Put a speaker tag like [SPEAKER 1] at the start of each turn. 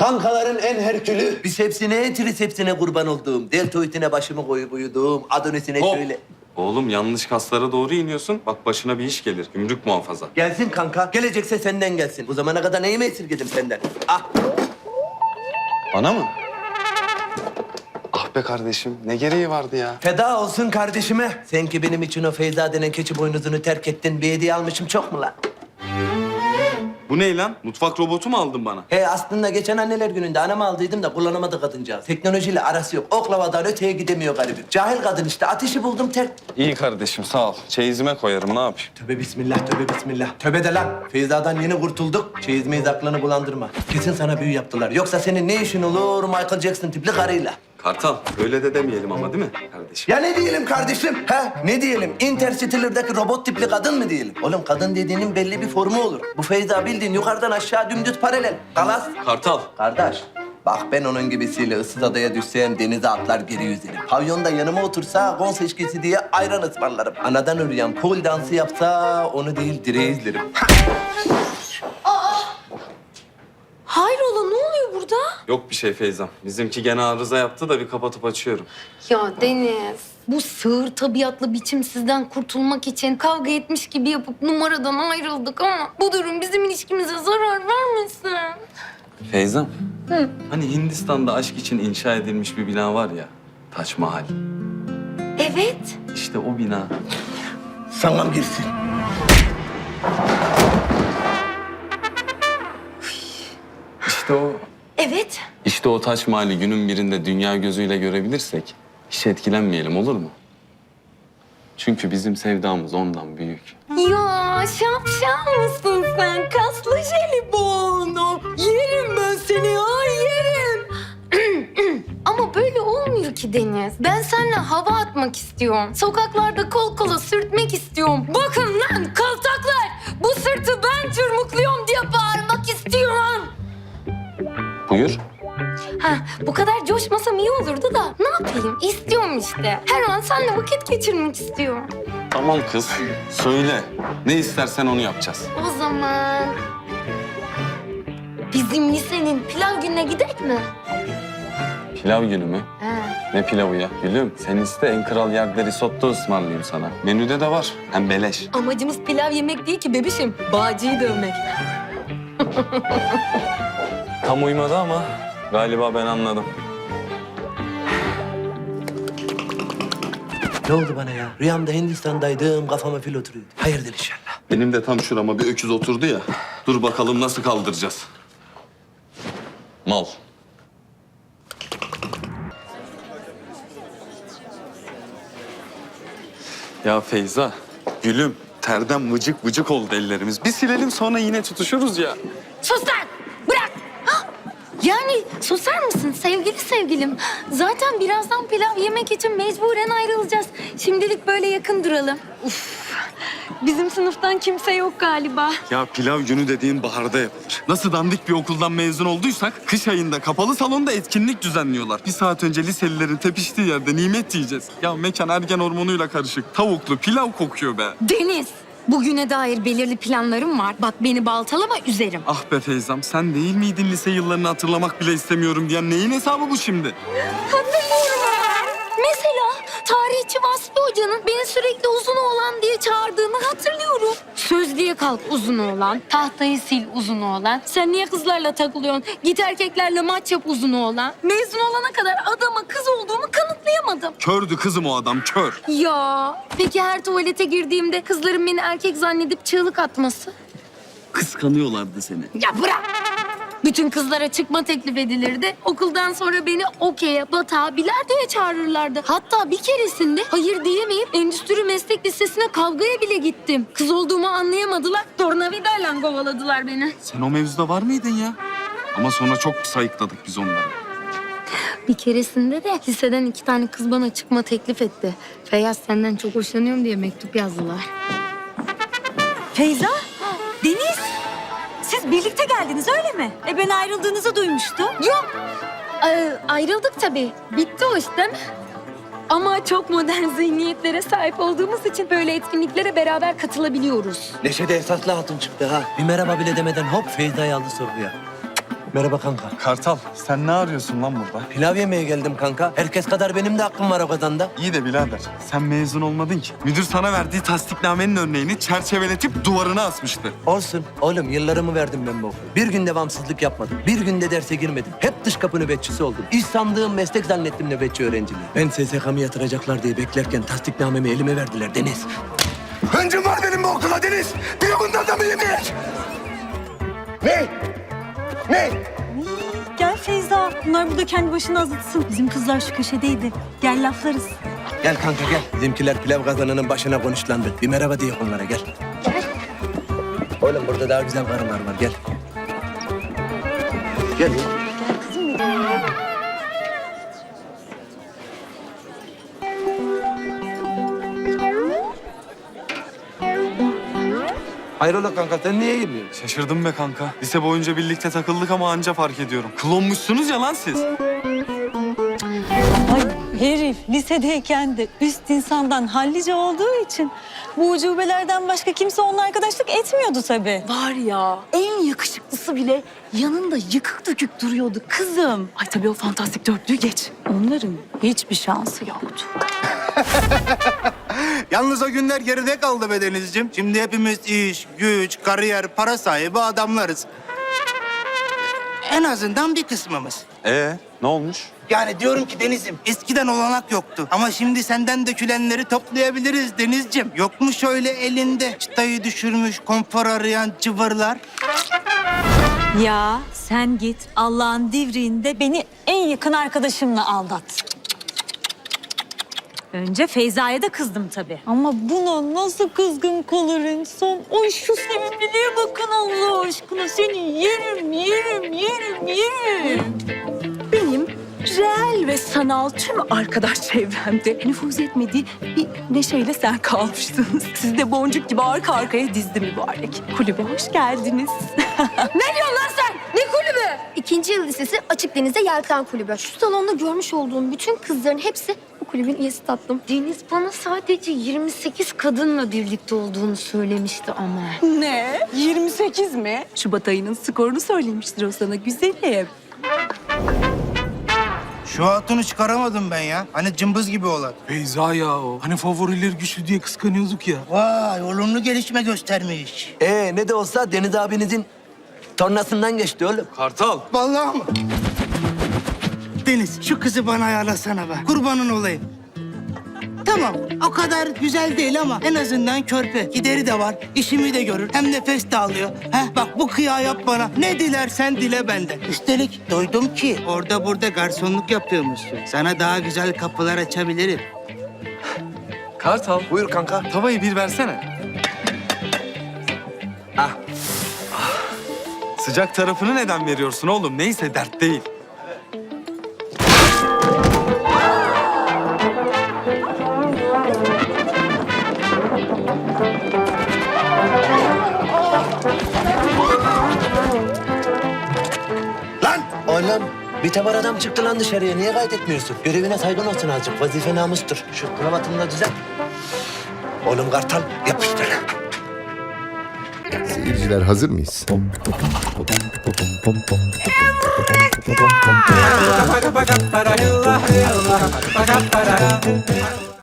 [SPEAKER 1] Kankaların en herkülü. Bisepsine, trisepsine kurban olduğum. Deltoidine başımı koyup uyuduğum. Adonisine
[SPEAKER 2] Hop.
[SPEAKER 1] şöyle.
[SPEAKER 2] Oğlum yanlış kaslara doğru iniyorsun. Bak başına bir iş gelir. Gümrük muhafaza.
[SPEAKER 1] Gelsin kanka. Gelecekse senden gelsin. Bu zamana kadar neyimi esirgedim senden? Ah.
[SPEAKER 2] Bana mı? Ah be kardeşim. Ne gereği vardı ya?
[SPEAKER 1] Feda olsun kardeşime. Sen ki benim için o Feyza denen keçi boynuzunu terk ettin. Bir hediye almışım çok mu lan?
[SPEAKER 2] Bu ne lan? Mutfak robotu mu aldın bana?
[SPEAKER 1] He aslında geçen anneler gününde anama aldıydım da kullanamadı kadıncağız. Teknolojiyle arası yok. Oklavadan öteye gidemiyor garibim. Cahil kadın işte. Ateşi buldum terk.
[SPEAKER 2] İyi kardeşim sağ ol. Çeyizime koyarım ne yapayım?
[SPEAKER 1] Tövbe bismillah, tövbe bismillah. Tövbe de lan. Feyza'dan yeni kurtulduk. Çeyizmeyiz aklını bulandırma. Kesin sana büyü yaptılar. Yoksa senin ne işin olur Michael Jackson tipli karıyla?
[SPEAKER 2] Kartal öyle de demeyelim ama değil mi kardeşim?
[SPEAKER 1] Ya ne diyelim kardeşim? Ha? Ne diyelim? Interstellar'daki robot tipli kadın mı diyelim? Oğlum kadın dediğinin belli bir formu olur. Bu Feyza bildiğin yukarıdan aşağı dümdüz paralel. Galas.
[SPEAKER 2] Kartal.
[SPEAKER 1] Kardeş, bak ben onun gibisiyle ıssız adaya düşsem denize atlar geri yüzerim. Pavyonda yanıma otursa gon seçkisi diye ayran ısmarlarım. Anadan ürüyen pol dansı yapsa onu değil direği izlerim.
[SPEAKER 3] Hayrola ne oluyor burada?
[SPEAKER 2] Yok bir şey Feyzam. Bizimki gene arıza yaptı da bir kapatıp açıyorum.
[SPEAKER 3] Ya Deniz, bu sığır tabiatlı biçimsizden kurtulmak için kavga etmiş gibi yapıp numaradan ayrıldık ama bu durum bizim ilişkimize zarar vermesin.
[SPEAKER 2] Feyzam. Hani Hindistan'da aşk için inşa edilmiş bir bina var ya. Taç Mahal.
[SPEAKER 3] Evet.
[SPEAKER 2] İşte o bina.
[SPEAKER 1] Sana girsin.
[SPEAKER 2] İşte o.
[SPEAKER 3] Evet.
[SPEAKER 2] İşte o Taç Mahal'i günün birinde dünya gözüyle görebilirsek hiç etkilenmeyelim olur mu? Çünkü bizim sevdamız ondan büyük.
[SPEAKER 3] Ya şapşal mısın sen? Kaslı jelibonu. Yerim ben seni ya yerim. Ama böyle olmuyor ki Deniz. Ben seninle hava atmak istiyorum. Sokaklarda kol kola sürtmek istiyorum. Bakın lan kaltaklar. Bu sırtı ben çırmıklıyorum diye bağırmak istiyorum.
[SPEAKER 2] Buyur.
[SPEAKER 3] Ha, bu kadar coşmasam iyi olurdu da ne yapayım? İstiyorum işte. Her an seninle vakit geçirmek istiyorum.
[SPEAKER 2] Tamam kız. Söyle. Ne istersen onu yapacağız.
[SPEAKER 3] O zaman bizim lisenin pilav gününe gidelim mi?
[SPEAKER 2] Pilav günü mü?
[SPEAKER 3] Ha.
[SPEAKER 2] Ne pilavı ya? Gülüm sen iste en kral yerde risotto ısmarlayayım sana. Menüde de var. Hem beleş.
[SPEAKER 3] Amacımız pilav yemek değil ki bebişim. Bağcıyı dövmek.
[SPEAKER 2] Tam uymadı ama galiba ben anladım.
[SPEAKER 1] Ne oldu bana ya? Rüyamda Hindistan'daydım, kafama fil oturuyordu. Hayırdır inşallah.
[SPEAKER 2] Benim de tam şurama bir öküz oturdu ya. Dur bakalım nasıl kaldıracağız. Mal. Ya Feyza, gülüm. Terden vıcık vıcık oldu ellerimiz. Bir silelim sonra yine tutuşuruz ya.
[SPEAKER 3] Sus lan! Bırak! Hah! Yani susar mısın sevgili sevgilim? Zaten birazdan pilav yemek için mecburen ayrılacağız. Şimdilik böyle yakın duralım. Uf! Bizim sınıftan kimse yok galiba.
[SPEAKER 2] Ya pilav günü dediğin baharda yapılır. Nasıl dandik bir okuldan mezun olduysak kış ayında kapalı salonda etkinlik düzenliyorlar. Bir saat önce liselilerin tepiştiği yerde nimet yiyeceğiz. Ya mekan ergen hormonuyla karışık. Tavuklu pilav kokuyor be.
[SPEAKER 3] Deniz! Bugüne dair belirli planlarım var. Bak beni baltalama üzerim.
[SPEAKER 2] Ah be Feyzam sen değil miydin lise yıllarını hatırlamak bile istemiyorum diyen neyin hesabı bu şimdi?
[SPEAKER 3] Hatırlıyorum. Mesela tarihçi Vasfi Hoca'nın beni sürekli uzun oğlan diye çağırdığını hatırlıyorum. Sözlüğe kalk uzun oğlan, tahtayı sil uzun oğlan. Sen niye kızlarla takılıyorsun? Git erkeklerle maç yap uzun oğlan. Mezun olana kadar adama kız olduğumu kanıtlayamadım.
[SPEAKER 2] Kördü kızım o adam kör.
[SPEAKER 3] Ya peki her tuvalete girdiğimde kızların beni erkek zannedip çığlık atması?
[SPEAKER 2] Kıskanıyorlardı seni.
[SPEAKER 3] Ya bırak! Bütün kızlara çıkma teklif edilirdi. Okuldan sonra beni okey'e, batağa, bilardoya çağırırlardı. Hatta bir keresinde hayır diyemeyip endüstri meslek lisesine kavgaya bile gittim. Kız olduğumu anlayamadılar. Tornavidayla kovaladılar beni.
[SPEAKER 2] Sen o mevzuda var mıydın ya? Ama sonra çok sayıkladık biz onları.
[SPEAKER 3] Bir keresinde de liseden 2 tane kız bana çıkma teklif etti. Feyyaz senden çok hoşlanıyorum diye mektup yazdılar.
[SPEAKER 4] Feyza, Deniz. Siz birlikte geldiniz öyle mi? Ben ayrıldığınızı duymuştum.
[SPEAKER 3] Yok. Ayrıldık tabii. Bitti o iş değil mi? Ama çok modern zihniyetlere sahip olduğumuz için böyle etkinliklere beraber katılabiliyoruz.
[SPEAKER 1] Neşede esaslı hatun çıktı ha. Bir merhaba bile demeden hop Feyza'yı aldı sorguya. Merhaba kanka.
[SPEAKER 2] Kartal, sen ne arıyorsun lan burada?
[SPEAKER 1] Pilav yemeye geldim kanka. Herkes kadar benim de hakkım var o kazanda.
[SPEAKER 2] İyi de birader, sen mezun olmadın ki. Müdür sana verdiği tasdiknamenin örneğini çerçeveletip duvarına asmıştı.
[SPEAKER 1] Olsun. Oğlum yıllarımı verdim ben bu okula. Bir gün devamsızlık yapmadım. Bir günde derse girmedim. Hep dış kapı nöbetçisi oldum. İş sandığım meslek zannettim nöbetçi öğrenciliği. Ben SSK'mı yatıracaklar diye beklerken tasdiknamemi elime verdiler Deniz. Öncüm var benim bu okula Deniz. Bir bundan da mı yemeyek? Ne? Ne?
[SPEAKER 4] Gel Feyza. Bunlar burada kendi başına azıtsın. Bizim kızlar şu köşedeydi. Gel laflarız.
[SPEAKER 1] Gel kanka gel. Bizimkiler pilav kazanının başına konuşlandı. Bir merhaba diye onlara gel. Oğlum burada daha güzel karılar var gel. Gel. Hayrola kanka sen niye girmiyorsun?
[SPEAKER 2] Şaşırdım be kanka. Lise boyunca birlikte takıldık ama anca fark ediyorum. Klonmuşsunuz ya lan siz.
[SPEAKER 4] Ay herif lisedeyken de üst insandan hallice olduğu için bu ucubelerden başka kimse onunla arkadaşlık etmiyordu tabii.
[SPEAKER 5] Var ya, en yakışıklısı bile yanında yıkık dökük duruyordu kızım. Ay tabii o fantastik dörtlüğü geç. Onların hiçbir şansı yoktu.
[SPEAKER 6] Yalnız o günler geride kaldı be Denizciğim. Şimdi hepimiz iş, güç, kariyer, para sahibi adamlarız. En azından bir kısmımız.
[SPEAKER 2] Ne olmuş?
[SPEAKER 6] Yani diyorum ki Deniz'im, eskiden olanak yoktu. Ama şimdi senden dökülenleri toplayabiliriz Denizciğim. Yok mu şöyle elinde çıtayı düşürmüş, konfor arayan cıvırlar?
[SPEAKER 4] Ya sen git Allah'ın divriğinde beni en yakın arkadaşımla aldat. Önce Feyza'ya da kızdım tabii. Ama buna nasıl kızgın kalır insan? Ay şu sevimliliğe bakın Allah aşkına. Seni yerim, yerim, yerim, yerim.
[SPEAKER 5] Benim reel ve sanal tüm arkadaş çevremde nüfuz etmediği bir neşeyle sen kalmıştınız. Siz de boncuk gibi arka arkaya dizdi mübarek. Kulübe hoş geldiniz.
[SPEAKER 3] Ne diyorsun lan sen? Ne kulübü? İkinci yıl lisesi Açık Deniz'de Yelken Kulübü. Şu salonda görmüş olduğum bütün kızların hepsi bu kulübün üyesi tatlım. Deniz bana sadece 28 kadınla birlikte olduğunu söylemişti ama.
[SPEAKER 5] Ne? 28 mi? Şubat ayının skorunu söylemiştir o sana güzelim.
[SPEAKER 6] Şu hatunu çıkaramadım ben ya. Hani cımbız gibi olan.
[SPEAKER 7] Beyza ya o. Hani favorileri güçlü diye kıskanıyorduk ya.
[SPEAKER 6] Vay, olumlu gelişme göstermiş.
[SPEAKER 1] Ne de olsa Deniz abinizin tornasından geçti oğlum.
[SPEAKER 2] Kartal.
[SPEAKER 6] Vallahi mı? Deniz, şu kızı bana ayarlasana be. Kurbanın olayım. Tamam, o kadar güzel değil ama en azından körpe. Gideri de var, işimi de görür. Hem nefes de alıyor. Heh, bak bu kıyağı yap bana. Ne dilersen dile benden. Üstelik duydum ki orada burada garsonluk yapıyormuşsun. Sana daha güzel kapılar açabilirim.
[SPEAKER 2] Kartal,
[SPEAKER 1] Buyur kanka.
[SPEAKER 2] tavayı bir versene.
[SPEAKER 1] Ah.
[SPEAKER 2] Sıcak tarafını neden veriyorsun oğlum? Neyse dert değil.
[SPEAKER 1] Lan! Oğlum bir tabar adam çıktı lan dışarıya. Niye kaydetmiyorsun? Görevine saygın olsun azıcık. Vazife namustur. Şu kravatını da düzelt. Oğlum Kartal yapıştır.
[SPEAKER 8] Seyirciler hazır mıyız?